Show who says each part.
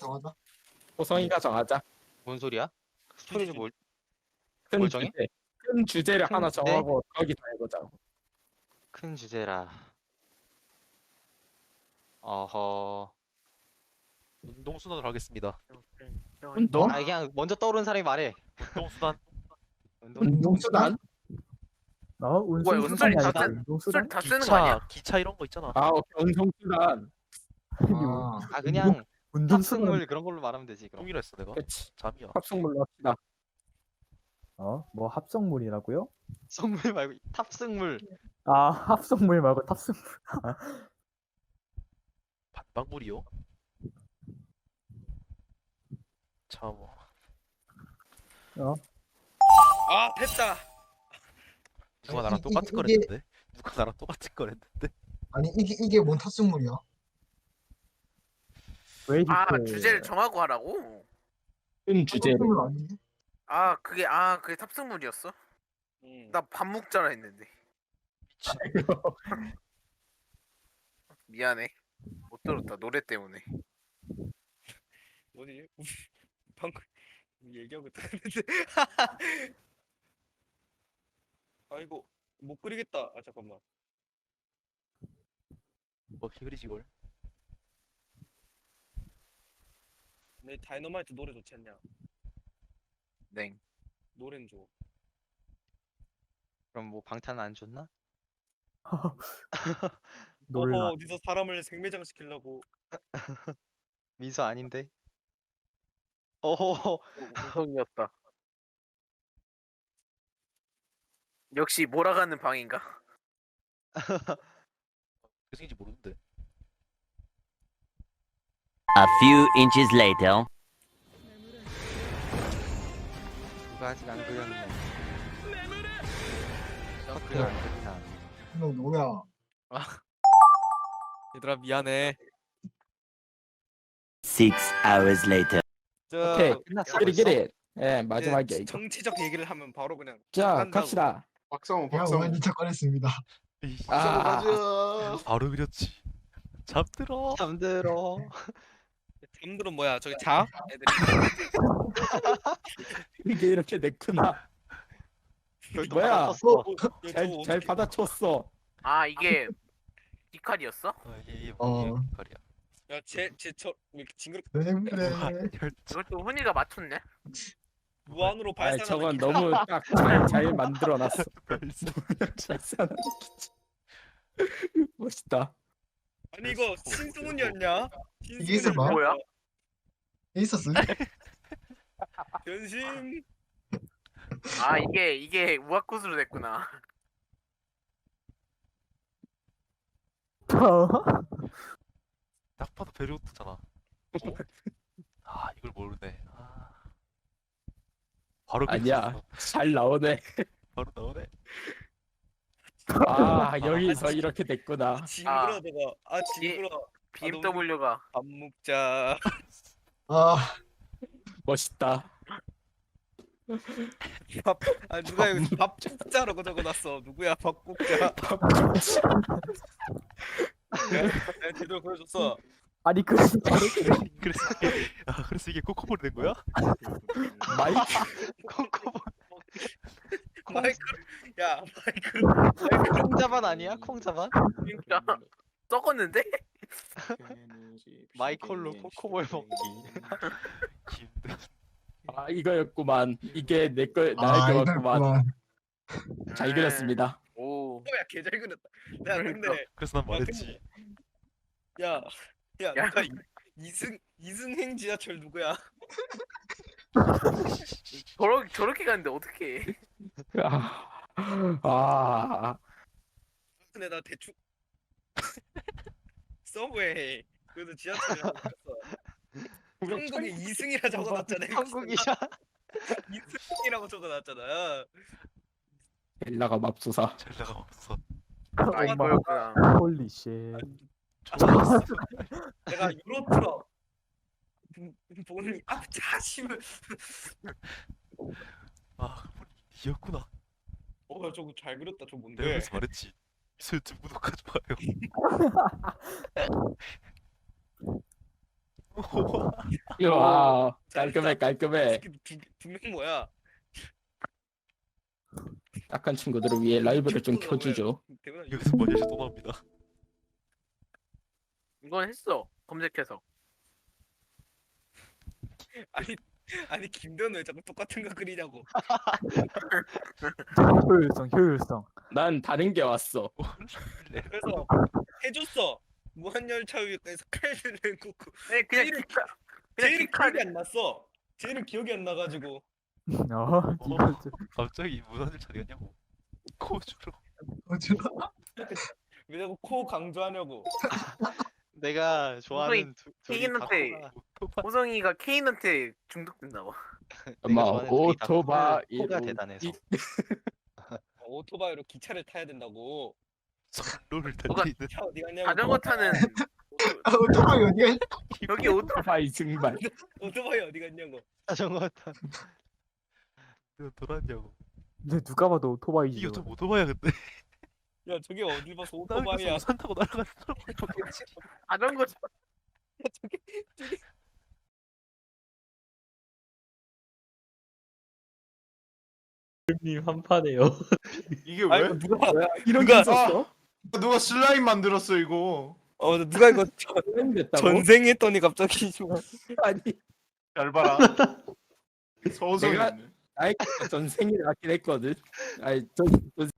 Speaker 1: 정하자.
Speaker 2: 호성이가 정하자.
Speaker 3: 뭔 소리야? 스토리를 뭘
Speaker 2: 큰
Speaker 3: 뭘 정해?
Speaker 2: 주제. 큰 주제를
Speaker 3: 큰
Speaker 2: 하나
Speaker 3: 주제?
Speaker 2: 정하고 거기서 해보자고.
Speaker 3: 큰 주제라. 어허.
Speaker 4: 운동수단으로 하겠습니다.
Speaker 2: 운동?
Speaker 3: 아 그냥 먼저 떠오르는 사람이 말해.
Speaker 4: 운동수단.
Speaker 2: 운동수단?
Speaker 5: 운송수단이
Speaker 3: 운송이
Speaker 5: 아니지
Speaker 3: 다
Speaker 5: 운송수단?
Speaker 6: 다 쓰는 거 아니야?
Speaker 4: 기차 이런 거 있잖아.
Speaker 2: 아, 오케이. 운동수단.
Speaker 1: 아,
Speaker 3: 아 그냥
Speaker 5: 운동수단
Speaker 3: 탑승물 그런 걸로 말하면 되지 그럼.
Speaker 4: 동의를 했어 내가.
Speaker 2: 그치.
Speaker 4: 잠이야.
Speaker 2: 합성물로 합시다.
Speaker 5: 뭐 합성물이라고요?
Speaker 3: 선물 말고 탑승물.
Speaker 5: 아 합성물 말고 탑승물.
Speaker 4: 반박물이요? 참.
Speaker 6: 아 됐다.
Speaker 4: 누가 나랑 똑같은 걸
Speaker 1: 이게-
Speaker 4: 했는데? 누가 나랑 똑같은 걸 했는데?
Speaker 1: 아니 이게 뭔 탑승물이야?
Speaker 5: 웨이트.
Speaker 6: 아 주제를 정하고 하라고?
Speaker 2: 큰 주제를.
Speaker 1: 탑승물 아니니?
Speaker 6: 그게 탑승물이었어? 나 밥 먹자라 했는데. 미안해. 못 들었다 노래 때문에.
Speaker 7: 뭐지? 방금 얘기하고 있는데 아이고 못 그리겠다. 아 잠깐만.
Speaker 4: 뭐 히그리지 걸?
Speaker 7: 내 다이너마이트 노래 좋지 않냐?
Speaker 6: 네.
Speaker 7: 노래는 줘.
Speaker 3: 그럼 뭐 방탄 안 줬나?
Speaker 5: 놀라.
Speaker 7: 어디서 사람을 생매장 시키려고.
Speaker 3: 민서 아닌데. 어허.
Speaker 6: 우성이었다. 역시 몰아가는 방인가?
Speaker 4: 그 생인지 모르는데.
Speaker 8: A few inches later.
Speaker 3: 누가 아직 안 그렸네. 서클을 안 그리나.
Speaker 1: 너 뭐야?
Speaker 7: 얘들아 미안해.
Speaker 8: 6 hours later.
Speaker 7: 저
Speaker 2: 오케이.
Speaker 3: 끝났어.
Speaker 2: 기릿. 예,
Speaker 7: 이제
Speaker 2: 마지막이야 이거.
Speaker 7: 정치적 얘기를 하면 바로 그냥
Speaker 2: 자,
Speaker 7: 나간다고.
Speaker 2: 갑시다.
Speaker 9: 박성호
Speaker 1: 제가
Speaker 9: 박성호
Speaker 1: 오늘 착관했습니다.
Speaker 4: 에이,
Speaker 2: 아,
Speaker 4: 바로 그렸지. 잠들어.
Speaker 3: 잠들어.
Speaker 7: 잠들은 뭐야? 저기 자? 애들이.
Speaker 2: 이게 이렇게 냈구나.
Speaker 3: 별도
Speaker 2: 뭐야?
Speaker 3: 받았었어.
Speaker 2: 잘 받아쳤어.
Speaker 6: 아 이게 디칼이었어?
Speaker 4: 이게
Speaker 1: 어.
Speaker 4: 말이야.
Speaker 7: 야제저 징그럽
Speaker 1: 왜 그래?
Speaker 6: 이걸 또 훈이가 맞췄네?
Speaker 7: 무한으로
Speaker 2: 아,
Speaker 7: 발산하는.
Speaker 2: 저건
Speaker 7: 기차.
Speaker 2: 너무 딱 잘 만들어놨어. 잘 사는 멋있다.
Speaker 7: 아니 이거 신승훈이었냐?
Speaker 1: 이게 있어 봐?
Speaker 6: 뭐야?
Speaker 1: 있었어?
Speaker 7: 변신.
Speaker 6: 아 이게 우아쿠스로 됐구나.
Speaker 4: 딱 봐도 베르우트잖아. 아 이걸 모르네. 아. 바로
Speaker 2: 아니야.
Speaker 4: 그렸어.
Speaker 2: 잘 나오네.
Speaker 4: 바로 나오네.
Speaker 2: 아, 여기서 이렇게 됐구나.
Speaker 7: 징그러 내가. 징그러.
Speaker 6: BMW가
Speaker 7: 밥 먹자.
Speaker 1: 아,
Speaker 2: 멋있다.
Speaker 7: 누가 여기 밥 먹자라고 적어놨어. 누구야 밥 먹자. 내가 제대로 보여줬어.
Speaker 5: 아니 그
Speaker 4: 그래서 이게 코코볼이 된 거야?
Speaker 2: 마이크.
Speaker 3: 콩코볼.
Speaker 7: 마이크. 야 마이크.
Speaker 3: 콩자반 아니야? 콩자반?
Speaker 6: 진짜 썩었는데?
Speaker 3: 마이콜로 코코볼 먹기.
Speaker 4: 힘들.
Speaker 2: 아, 이거였구만. 이게 나의 거였구만.
Speaker 1: 이거였구만.
Speaker 2: 잘 그렸습니다.
Speaker 6: 오.
Speaker 7: 야 개잘 그렸다. 야 근데
Speaker 4: 그래서 난 말했지.
Speaker 7: 야
Speaker 6: 야.
Speaker 7: 누가 이승행 지하철 누구야?
Speaker 6: 저렇게 가는데 어떻게?
Speaker 2: 아,
Speaker 7: 근데 나 대충 서브웨이 그래도 지하철이라고 썼어. 한국에 이승이라 적어놨잖아.
Speaker 3: 한국이야.
Speaker 7: 이승이라고 적어놨잖아.
Speaker 2: 벨라가 맙소사.
Speaker 4: 잘 나가면서.
Speaker 6: 아 이거였구나.
Speaker 5: 홀리 쉣.
Speaker 4: 쫓아왔어.
Speaker 7: 내가 유로트럭 보니 앞차심을.
Speaker 4: 아 이었구나.
Speaker 7: 저거 잘 그렸다. 저
Speaker 4: 내가
Speaker 7: 뭔데?
Speaker 4: 그래서 말했지. 유튜브 구독하지 마요.
Speaker 2: 와 깔끔해 깔끔해.
Speaker 7: 두명 뭐야?
Speaker 2: 딱한 친구들을 위해 라이브를 좀 켜주죠.
Speaker 7: 대박.
Speaker 4: 여기서 머리를 또 나옵니다.
Speaker 6: 이건 했어. 검색해서.
Speaker 7: 아니 김대현 왜 자꾸 똑같은 거 그리냐고.
Speaker 5: 효율성.
Speaker 2: 난 다른 게 왔어.
Speaker 7: 그래서 해줬어. 무한열차 위에서 칼을 꽂고.
Speaker 6: 아니 그냥
Speaker 7: 제일은-
Speaker 6: 기카. 그냥
Speaker 7: 제일은
Speaker 6: 기카.
Speaker 7: 기억이 안 났어. 제일은 기억이 안 나가지고.
Speaker 5: 이거 좀-
Speaker 4: 갑자기 무선을 찾겠냐고. 코주로.
Speaker 1: 어쩌나?
Speaker 7: 왜 자꾸 코 강조하냐고.
Speaker 3: 내가 좋아하는 둘이
Speaker 6: 케인한테
Speaker 3: 다코가
Speaker 6: 호성이가 케인한테 중독됐나 봐.
Speaker 2: 엄마
Speaker 3: 좋아하는 둘이 다
Speaker 2: 오토바이
Speaker 3: 코가 대단해서.
Speaker 7: 오토바이로 기차를 타야 된다고.
Speaker 4: 선로를
Speaker 6: 뭐가
Speaker 4: 달리는
Speaker 7: 차 어디 갔냐고.
Speaker 6: 자전거 타는
Speaker 1: 아, 오토바이 어디가 있나?
Speaker 6: 여기 오토
Speaker 2: 오토바이 증발.
Speaker 7: 오토바이 어디 갔냐고.
Speaker 3: 자전거 타.
Speaker 4: 너 돌았냐고.
Speaker 5: 근데 누가 봐도
Speaker 4: 이게
Speaker 5: 오토바이지.
Speaker 4: 좀 오토바이야 근데.
Speaker 7: 야 저게 어디 봐서
Speaker 4: 나 여기서
Speaker 7: 오토바이야.
Speaker 4: 우산 타고 날아가는 사람.
Speaker 6: 자전거
Speaker 9: 님 한판에요.
Speaker 10: 이게
Speaker 7: 아니
Speaker 10: 왜?
Speaker 7: 누가
Speaker 2: 이런
Speaker 7: 누가-
Speaker 2: 게 있었어?
Speaker 10: 누가 슬라임 만들었어 이거?
Speaker 7: 누가 이거
Speaker 2: 됐다고?
Speaker 7: 전생했더니 갑자기 좀
Speaker 2: 아니
Speaker 10: 잘 봐라. 서우성이
Speaker 2: 내가-
Speaker 10: 있네.
Speaker 2: 아이 전 생일 맞긴 했거든. 아니 전